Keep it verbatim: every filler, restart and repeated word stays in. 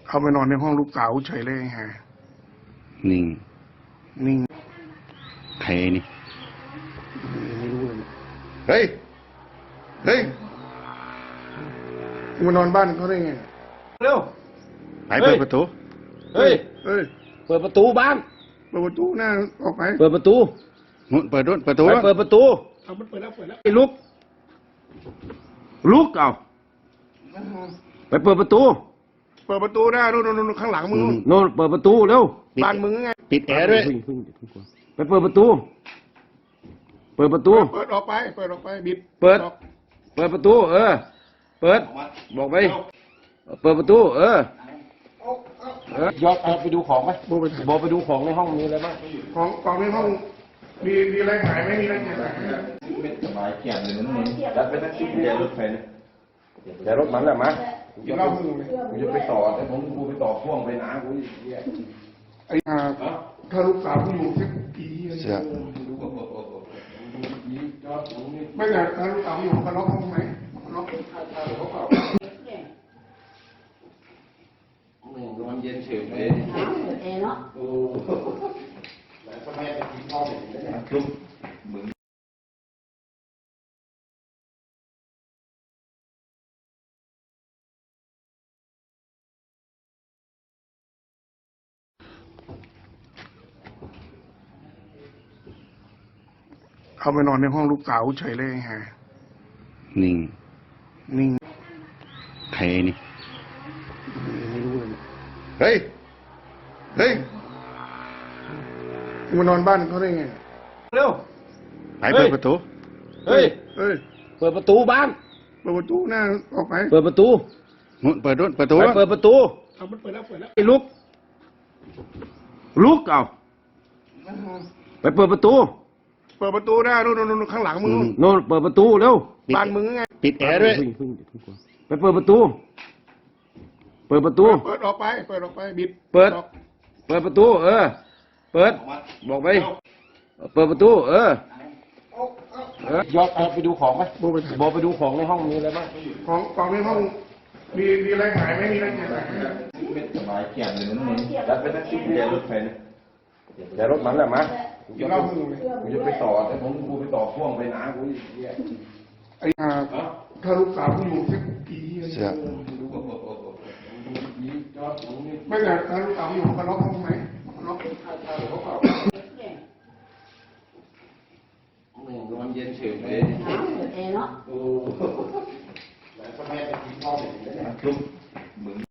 เข้าไปนอนในห้องลูกสาวเฉยเลยฮะนิ่งนิ่งใครนี่ไม่รู้เลยเฮ้ยเฮ้ยมานอนบ้านเขาได้ไงเร็วไปเปิดประตูเฮ้ยเฮ้ยเปิดประตูบ้านเปิดประตูหน้าออกไปเปิดประตูนู่นเปิดนู่นประตูเปิดประตูเอามันเปิดแล้วเปิดแล้วไอ้ลุกลุกเอาไปเปิดประตูเปิดประตูหน้านู่นนู่นข้างหลังมึงโน่นเปิดประตูเร็วบ้านมึงไงปิดแอร์ด้วยไปเปิดประตูเปิดประตูเปิดออกไปเปิดออกไปบิดเปิดเปิดประตูเออเปิดบอกไปเปิดประตูเออเออยอดไปดูของไหมบอกไปดูของในห้องมีอะไรบ้างของของในห้องมีมีอะไรหายไหมมีอะไรเก็บไหมไม่สบายเกี่ยงเลยนั่นเองยัดไปทั้งชิ้นเดียวรถไฟเนี่ยเดี๋ยวรถมันแหละมาจะเล่ามึงเลยกูจะไปต่อแต่ผมกูไปต่อพ่วงไปน้ากูไอ้ถ้าลูกสาวกูอยู่สักปีเสียไม่แต่ถ้าลูกสาวอยู่เขาล็อกห้องไหมล็อกคาคาหรือเขาเปล่านอนเย็นเฉยเลยเอเนาะโอ้แล้วทำไมไปกินข้าวอย่างนี้เนี่ยลุกมึงเข้าไปนอนในห้องลูกสาวเฉยเลยฮะนิ่งนิ่งใครนี่ไม่รู้เลยเฮ้ยเฮ้ยมานอนบ้านเขาได้ไงเร็วไปเปิดประตูเฮ้ยเฮ้ยเปิดประตูบ้านเปิดประตูหน้าออกไปเปิดประตูนู่นเปิดนู่นประตูเปิดประตูเอามันเปิดแล้วเปิดแล้วไอ้ลุกลุกเอาไปเปิดประตูเปิดประตูหน้านู่นนู่นข้างหลังมึงโน่นเปิดประตูเร็วบ้านมึงไงปิดแอร์ด้วยไปเปิดประตูเปิดประตูเปิดออกไปเปิดออกไปบิดเปิดเปิดประตูเออเปิดบอกไปเปิดประตูเออยอดไปดูของไหมบอกไปดูของในห้องมีอะไรบ้างของของในห้องมีมีอะไรหายไหมมีอะไรเก็บไหมไม่สบายเกี่ยงเลยนั่นเองยัดไปทั้งชิ้นเดียวรถไฟเนี่ยเดี๋ยวรถมันแหละมาจะเล่ามึงเลยกูจะไปต่อแต่ผมกูไปต่อพ่วงไปน้ากูไอ้ถ้าลูกสาวกูอยู่สักปีเสียไม่แต่ถ้าลูกสาวอยู่เขาล็อกห้องไหมล็อกคาคาหรือเขาเปล่านอนเย็นเฉยเลยเอเนาะโอ้แล้วทำไมไปกินข้าวอย่างนี้เนี่ยลุกมึง